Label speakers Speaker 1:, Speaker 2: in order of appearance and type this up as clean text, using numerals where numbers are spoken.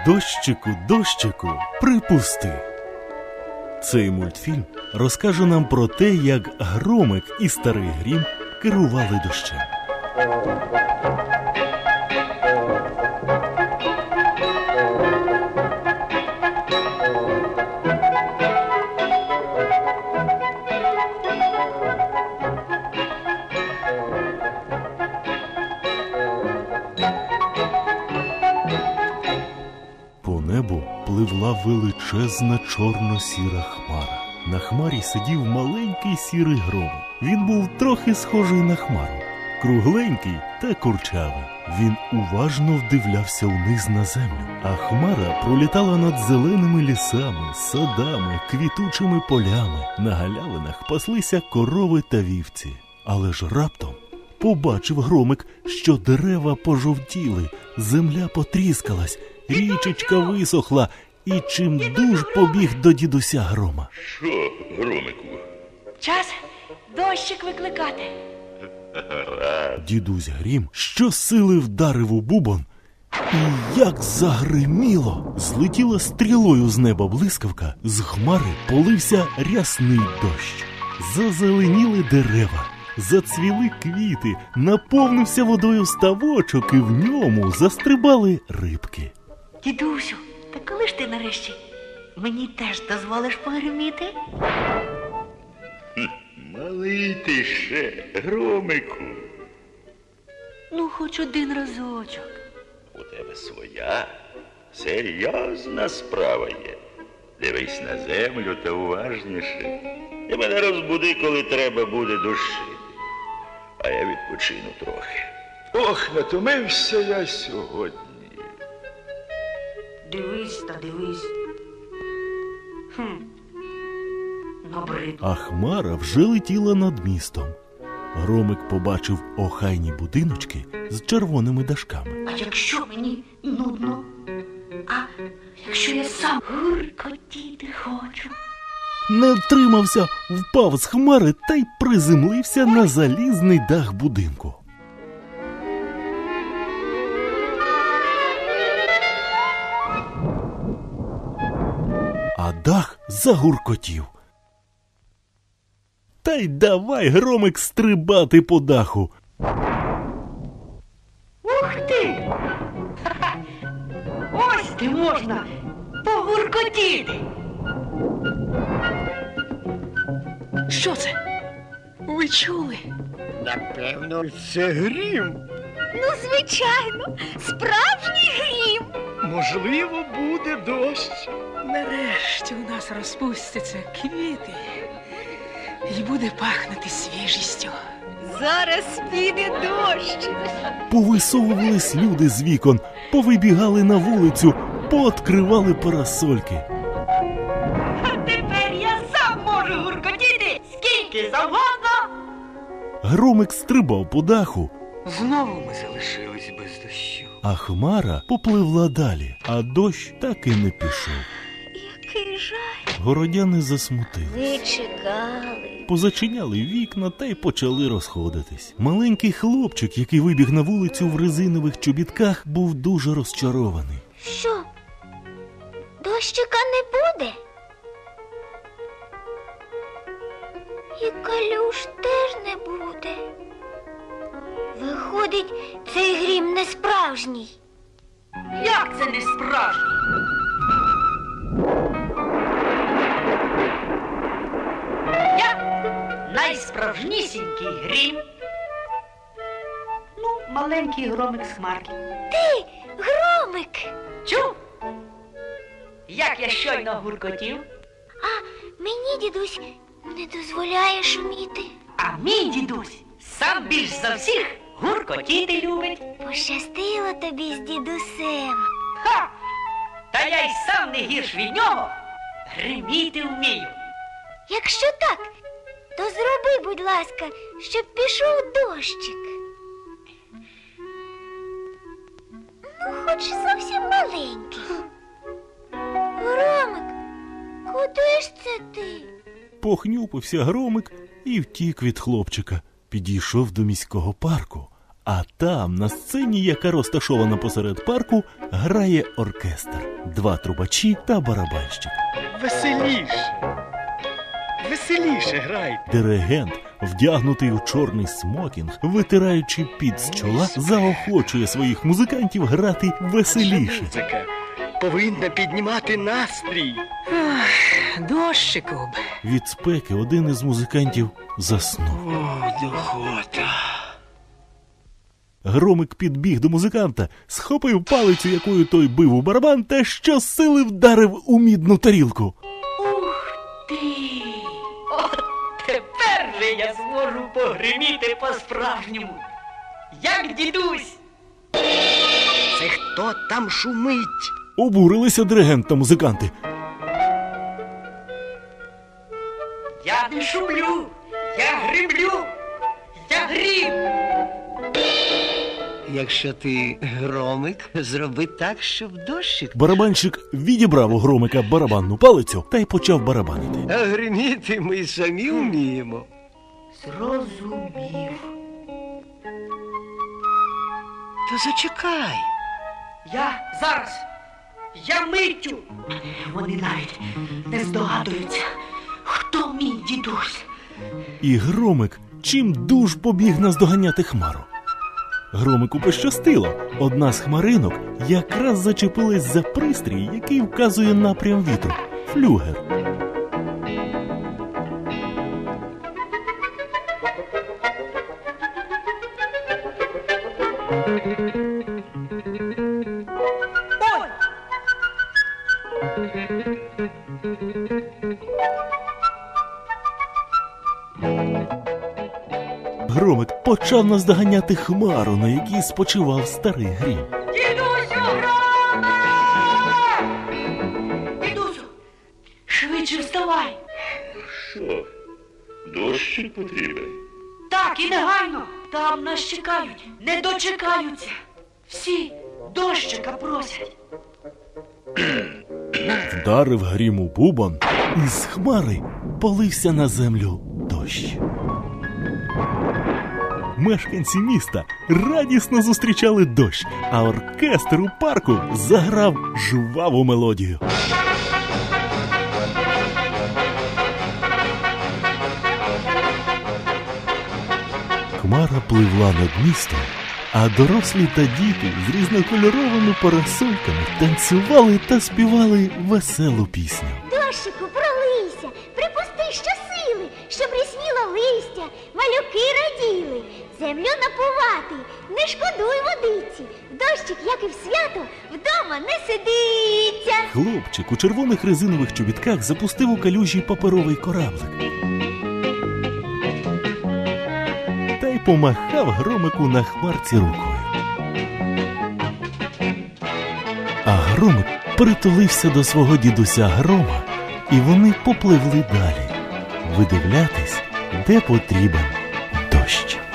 Speaker 1: Дощику, дощику, припусти. Цей мультфільм розкаже нам про те, як Громик і Старий Грім керували дощем. По небу пливла величезна чорно-сіра хмара. На хмарі сидів маленький сірий громик. Він був трохи схожий на хмару. Кругленький та курчавий. Він уважно вдивлявся вниз на землю. А хмара пролітала над зеленими лісами, садами, квітучими полями. На галявинах паслися корови та вівці. Але ж раптом побачив громик, що дерева пожовтіли, земля потріскалась, річечка висохла, і чимдуж побіг до дідуся Грома.
Speaker 2: Що, Громику?
Speaker 3: Час дощик викликати.
Speaker 1: Дідусь Грім щосили вдарив у бубон, і як загриміло! Злетіла стрілою з неба блискавка, з хмари полився рясний дощ. Зазеленіли дерева, зацвіли квіти, наповнився водою ставочок, і в ньому застрибали рибки.
Speaker 3: Дідусю, та коли ж ти нарешті мені теж дозволиш погриміти?
Speaker 2: Малий ти ще, Громику.
Speaker 3: Ну, хоч один разочок.
Speaker 2: У тебе своя серйозна справа є. Дивись на землю та уважніше. І мене розбуди, коли треба буде душити. А я відпочину трохи. Ох, натомився я сьогодні.
Speaker 3: Дивись та дивись. Набрид.
Speaker 1: А хмара вже летіла над містом. Громик побачив охайні будиночки з червоними дашками.
Speaker 3: А якщо мені нудно? А якщо я сам гуркотіти хочу?
Speaker 1: Не втримався, впав з хмари та й приземлився на залізний дах будинку. А дах загуркотів. Та й давай, Громик, стрибати по даху.
Speaker 3: Ух ти! Ось ти можна погуркотіти! Що це? Ви чули?
Speaker 4: Напевно, це грім.
Speaker 5: Ну, звичайно, справжній грім.
Speaker 4: Можливо, буде дощ.
Speaker 6: Нарешті у нас розпустяться квіти і буде пахнути свіжістю.
Speaker 5: Зараз піде дощ.
Speaker 1: Повисовувались люди з вікон, повибігали на вулицю, пооткривали парасольки.
Speaker 3: А тепер я сам можу гуркотіти скільки завгодно!
Speaker 1: Громик стрибав по даху,
Speaker 6: Знову ми залишились без дощу.
Speaker 1: а хмара попливла далі, а дощ так і не пішов.
Speaker 5: Який жаль.
Speaker 1: Городяни засмутились.
Speaker 5: Ви чекали.
Speaker 1: Позачиняли вікна та й почали розходитись. Маленький хлопчик, який вибіг на вулицю в резинових чобітках, був дуже розчарований.
Speaker 5: Що? Дощика не буде? І калюш теж не буде. Виходить, цей грім не справжній.
Speaker 3: Як це не справжній? Я найсправжнісінький грім. Ну, маленький громик з хмарки.
Speaker 5: Ти, Громик!
Speaker 3: Чув? Як я щойно гуркотів,
Speaker 5: А мені дідусь не дозволяє шуміти.
Speaker 3: а мій дідусь сам більш за всіх гуркотіти любить.
Speaker 5: Пощастило тобі з дідусем.
Speaker 3: Ха! Та я й сам не гірш від нього гриміти вмію.
Speaker 5: Якщо так, то зроби, будь ласка, щоб пішов дощик. Ну, хоч зовсім маленький. Громик, куди ж це ти?
Speaker 1: Похнюпився Громик і втік від хлопчика. Підійшов до міського парку, А там, на сцені, яка розташована посеред парку, грає оркестр. 2 трубачі та барабанщик.
Speaker 4: Веселіше. Веселіше грайте.
Speaker 1: Диригент, вдягнутий у чорний смокінг, витираючи під з чола, заохочує своїх музикантів грати веселіше.
Speaker 4: Музика повинна піднімати настрій.
Speaker 6: Дощику б.
Speaker 1: Від спеки один із музикантів заснув.
Speaker 4: О, духота.
Speaker 1: Громик підбіг до музиканта, схопив палицю, якою той бив у барабан, та щосили вдарив у мідну тарілку.
Speaker 3: Ух ти! От тепер же я зможу погриміти по-справжньому. Як дідусь!
Speaker 4: Це хто там шумить?
Speaker 1: Обурилися диригент та музиканти.
Speaker 3: Я не шумлю! Я гримлю! Я грім!
Speaker 4: Якщо ти громик, зроби так, щоб дощик.
Speaker 1: Барабанщик відібрав у Громика барабанну палицю та й почав барабанити.
Speaker 4: А гриміти ми самі вміємо.
Speaker 3: Зрозумів.
Speaker 4: Та зачекай.
Speaker 3: Я зараз. Я миттю. Вони навіть не здогадуються, хто мій дідусь.
Speaker 1: І Громик чим дуж побіг наздоганяти Хмару. Громику пощастило. Одна з хмаринок якраз зачепилась за пристрій, який вказує напрям вітру – флюгер.
Speaker 3: Ой!
Speaker 1: Громик почав наздоганяти Хмару, на якій спочивав старий Грім.
Speaker 3: Дідусю, Громе! Дідусю, швидше вставай.
Speaker 2: Що? Дощик потрібен?
Speaker 3: Так, і негайно. Там нас чекають. Не дочекаються. Всі дощика просять.
Speaker 1: Вдарив Грім у бубон, і з Хмари полився на землю дощ. Мешканці міста радісно зустрічали дощ, а оркестр у парку заграв жваву мелодію. Хмара пливла над містом, а дорослі та діти з різнокольоровими парасольками танцювали та співали веселу пісню.
Speaker 5: Дощику, пролийся, припусти щосили, щоб рясніло листя, малюки раділи. Землю напувати, не шкодуй водиці. Дощик, як і в свято, вдома не сидиться.
Speaker 1: Хлопчик у червоних резинових чобітках запустив у калюжі паперовий кораблик. Та й помахав Громику на Хмарці рукою. А Громик притулився до свого дідуся Грома, і вони попливли далі, видивлятись, де потрібен дощ.